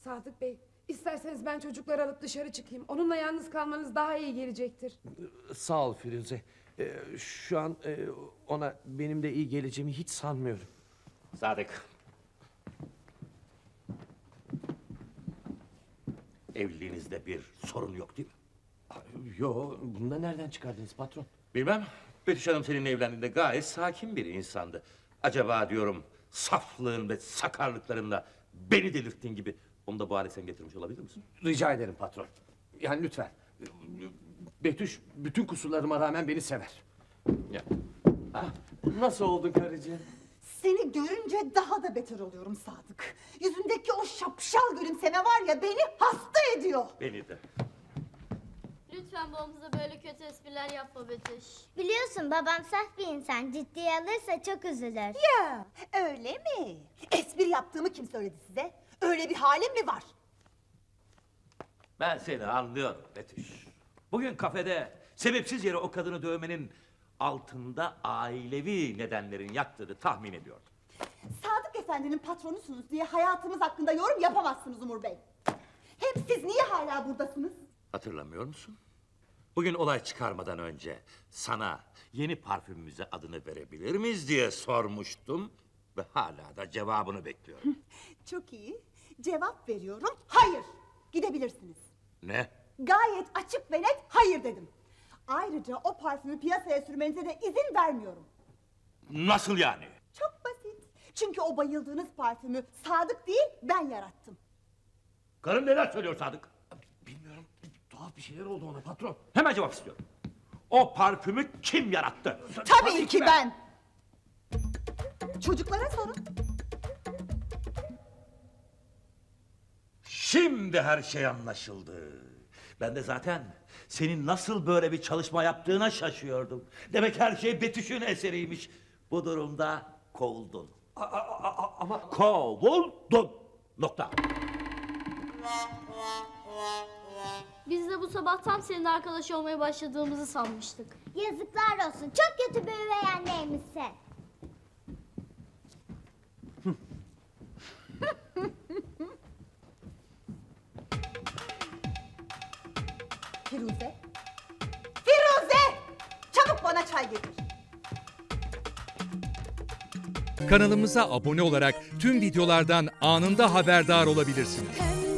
Sadık Bey, isterseniz ben çocukları alıp dışarı çıkayım. Onunla yalnız kalmanız daha iyi gelecektir. Sağ ol Firuze. Şu an ona benim de iyi geleceğimi hiç sanmıyorum. Sadık. Evliliğinizde bir sorun yok değil mi? Yo, bunu da nereden çıkardınız patron? Bilmem. Betüş Hanım seninle evlendiğinde gayet sakin bir insandı. Acaba diyorum saflığın ve sakarlıklarınla beni delirttiğin gibi onu da bu hale sen getirmiş olabilir misin? Rica ederim patron. Yani lütfen. Betüş bütün kusurlarıma rağmen beni sever. Ya. Nasıl oldun karıcığım? Seni görünce daha da beter oluyorum Sadık. Yüzündeki o şapşal gülümseme var ya beni hasta ediyor. Beni de. Lütfen babamıza böyle kötü espriler yapma Betüş. Biliyorsun babam saf bir insan. Ciddiye alırsa çok üzülür. Ya öyle mi? Espri yaptığımı kim söyledi size? Öyle bir halim mi var? Ben seni anlıyorum Betüş. Bugün kafede sebepsiz yere o kadını dövmenin altında ailevi nedenlerin yattığını tahmin ediyordum. Sadık Efendi'nin patronusunuz diye hayatımız hakkında yorum yapamazsınız Umur Bey. Hem siz niye hala buradasınız? Hatırlamıyor musun? Bugün olay çıkarmadan önce sana yeni parfümümüze adını verebilir miyiz diye sormuştum. Ve hala da cevabını bekliyorum. Çok iyi. Cevap veriyorum. Hayır. Gidebilirsiniz. Ne? Gayet açık ve net hayır dedim. Ayrıca o parfümü piyasaya sürmenize de izin vermiyorum. Nasıl yani? Çok basit. Çünkü o bayıldığınız parfümü Sadık değil ben yarattım. Karın neler söylüyor Sadık? Bilmiyorum. Tuhaf bir şeyler oldu ona patron. Hemen cevap istiyorum. O parfümü kim yarattı? Tabii ki ben. Çocuklara sorun. Şimdi her şey anlaşıldı. Ben de zaten senin nasıl böyle bir çalışma yaptığına şaşıyordum. Demek her şey Betüş'ün eseriymiş. Bu durumda kovuldun. Ama Kovuldun. Nokta. Biz de bu sabah tam senin arkadaş olmaya başladığımızı sanmıştık. Yazıklar olsun. Çok kötü bir üvey anneymişsin. Firuze. Firuze! Çabuk bana çay getir. Kanalımıza abone olarak tüm videolardan anında haberdar olabilirsiniz. Pembe